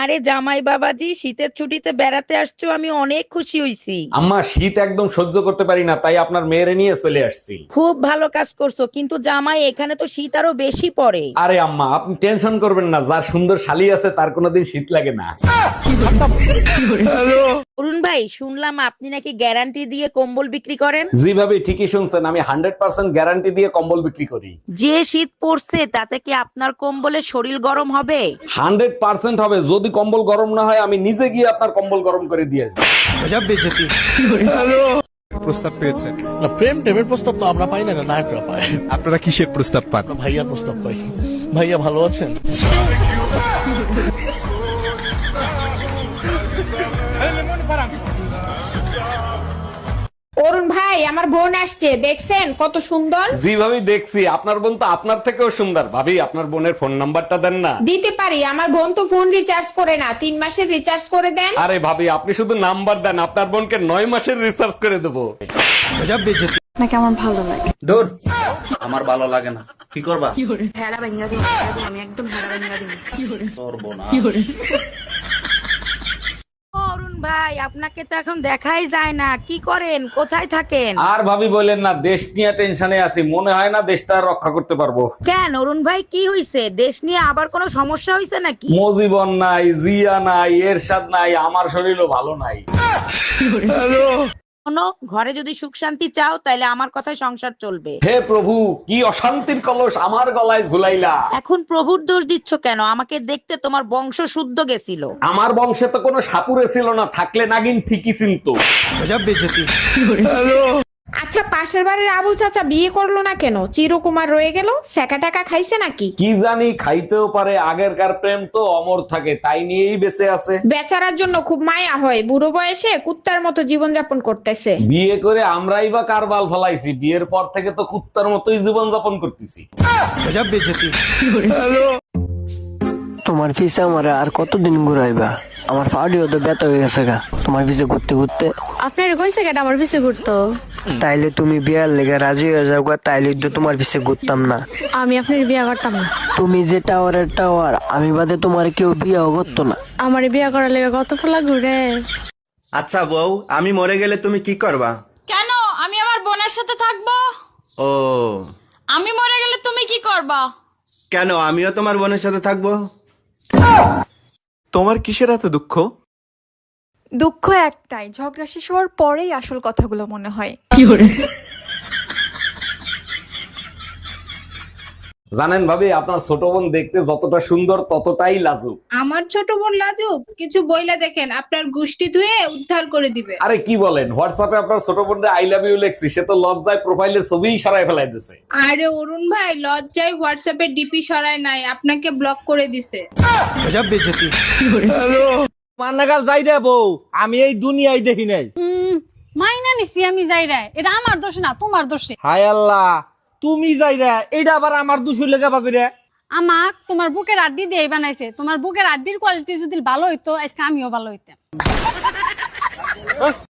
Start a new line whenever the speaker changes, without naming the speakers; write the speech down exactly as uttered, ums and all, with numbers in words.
আরে জামাই বাবাজি, শীতের ছুটিতে বেড়াতে আসছো, আমি অনেক খুশি হইছি।
আম্মা শীত একদম সহ্য করতে পারি না, তাই আপনার মেয়েরে নিয়ে চলে আসছি।
খুব ভালো কাজ করছো, কিন্তু জামাই এখানে তো শীত আরো বেশি পড়ে।
আরে আম্মা আপনি টেনশন করবেন না, যার সুন্দর শালি আছে তার কোনোদিন শীত লাগে না।
অরুণ ভাই, শুনলাম আপনি নাকি গ্যারান্টি দিয়ে কম্বল বিক্রি করেন।
জি ভাবি, ঠিকই শুনছেন, আমি হান্ড্রেড পার্সেন্ট গ্যারান্টি দিয়ে কম্বল বিক্রি করি।
যে শীত পড়ছে তাতে কি আপনার কম্বলে শরীর গরম হবে?
হান্ড্রেড পার্সেন্ট হবে। যদি কম্বল গরম না হয় আমি নিজে গিয়ে আপনার কম্বল গরম করে দিয়ে আসবো।
প্রস্তাব পেয়েছেন?
না, প্রেম টেমের প্রস্তাব তো আমরা পাই না, না নায়করা পায়।
আপনারা কিসের প্রস্তাব পান?
আমরা ভাইয়ার প্রস্তাব পাই। ভাইয়া ভালো আছেন?
অরুণ ভাই, আমার বোন আসছে, দেখছেন কত সুন্দর?
জি ভাবি দেখছি, আপনার বোন তো আপনার থেকেও সুন্দর। ভাবি আপনার বোনের ফোন নাম্বারটা দেন না।
দিতে পারি, আমার বোন তো ফোন রিচার্জ করে না, তিন মাসের রিচার্জ করে দেন।
আরে ভাবি আপনি শুধু নাম্বার দেন, আপনার বোনকে নয় মাসের রিসার্চ করে দেবো।
নাকি আমার ভালো লাগে?
দূর, আমার ভালো লাগে না। কি করবা?
ভেড়া ভেঙা দিই, আমি একদম ভেড়া ভেঙা দিই।
করবো না।
অরুণ ভাই, আপনাকে তো এখন দেখাই যায় না, কি করেন, কোথায় থাকেন?
আর ভাবি বলেন না, দেশ নিয়ে টেনশনে আছি, মনে হয় না দেশটা আর রক্ষা করতে পারবো।
কেন অরুণ ভাই, কি হইছে? দেশ নিয়ে আবার কোনো সমস্যা হইছে নাকি?
মজিবন নাই, জিয়া নাই, এরশাদ নাই, আমার শরীরও ভালো নাই।
শোনো, ঘরে যদি সুখ শান্তি চাও তাহলে আমার কথায় সংসার চলবে।
হে প্রভু, কি অশান্তির কলস আমার গলায় ঝুলাইলা।
এখন প্রভুর দোষ দিচ্ছ কেন? আমাকে দেখতে তোমার বংশ শুদ্ধ গেছিল।
আমার বংশে তো কোনো সাপুরে ছিল না, থাকলে নাগিন ঠিকই চিনতো।
আচ্ছা, পাশের বাড়ির আবুল চাচা বিয়ে করলো না কেন? চিরকুমার রয়ে গেল, সেকা টাকা খাইছে নাকি?
কি জানি, খাইতেও পারে। আগেরকার প্রেম তো অমর থাকে, তাই নিয়েই বেঁচে আছে।
বেচারার জন্য খুব মায়া হয়, বুড়ো বয়সে কুত্তার মতো জীবন যাপন করতেছে।
বিয়ে করে আমরাই বা কার বাল ফলাইছি? বিয়ের পর থেকে তো কুত্তার মতোই জীবন যাপন করতেছি।
তোমার পিছে আমার আর কতদিন ঘুরাইবা? আমার পাউডিও তো ব্যথা হয়ে গেছে গা তোমার পিছে ঘুরতে ঘুরতে।
আপনার কোন জায়গাটা আমার পিছে ঘুরতো?
তাইলে তুমি বিয়ার লেগে রাজি হয়ে যাও গা, তাইলে তো তোমার পিছে ঘুরতাম না।
আমি আপনার বিয়ে করতাম না।
তুমি যে টাওয়ারের টাওয়ার, আমি বাদে তোমার কেউ বিয়েও করতো না।
আমার বিয়ে করার লেগে কত ফলা ঘুরে।
আচ্ছা বউ, আমি মরে গেলে তুমি কি করবা?
কেন? আমি আমার বোনের সাথে থাকবো।
ও,
আমি মরে গেলে তুমি কি করবা?
কেন? আমিও তোমার বোনের সাথে থাকবো।
তোমার কিসের এত দুঃখ?
দুঃখ একটাই, ঝগড়া শেষ হওয়ার পরেই আসল কথাগুলো মনে হয়।
জানেন ভাবি, আপনার ছোট বোন দেখতে যতটা সুন্দর ততটাই লাজুক।
আমার ছোট বোন লাজুক? কিছু বইলা দেখেন, আপনার গুষ্টি ধুয়ে উদ্ধার করে দিবে।
আরে কি বলেন, হোয়াটসঅ্যাপে আপনার ছোট বোনকে আই লাভ ইউ লেখছি, সে তো লজ্জায় প্রোফাইলের ছবিই সরাই ফেলাই দিছে।
আরে অরুণ ভাই, লজ্জায় হোয়াটসঅ্যাপে ডিপি সরায় নাই, আপনাকে ব্লক করে দিছে।
মান্নাগাল যাই রে বউ, আমি এই দুনিয়ায় দেখি নাই।
মাইনা নিছি আমি যাই রে, এটা আমার দোষ না, তোমার দোষে।
হায় আল্লাহ, তুমি যাই রে, এইটা আবার আমার দুশো লেখা পাকড়ে।
আমাক তোমার বুকের আড্ডি দিয়ে বানাইছে। তোমার বুকের আড্ডির কোয়ালিটি যদি ভালো হইতো, আজকে আমিও ভালো হইতাম।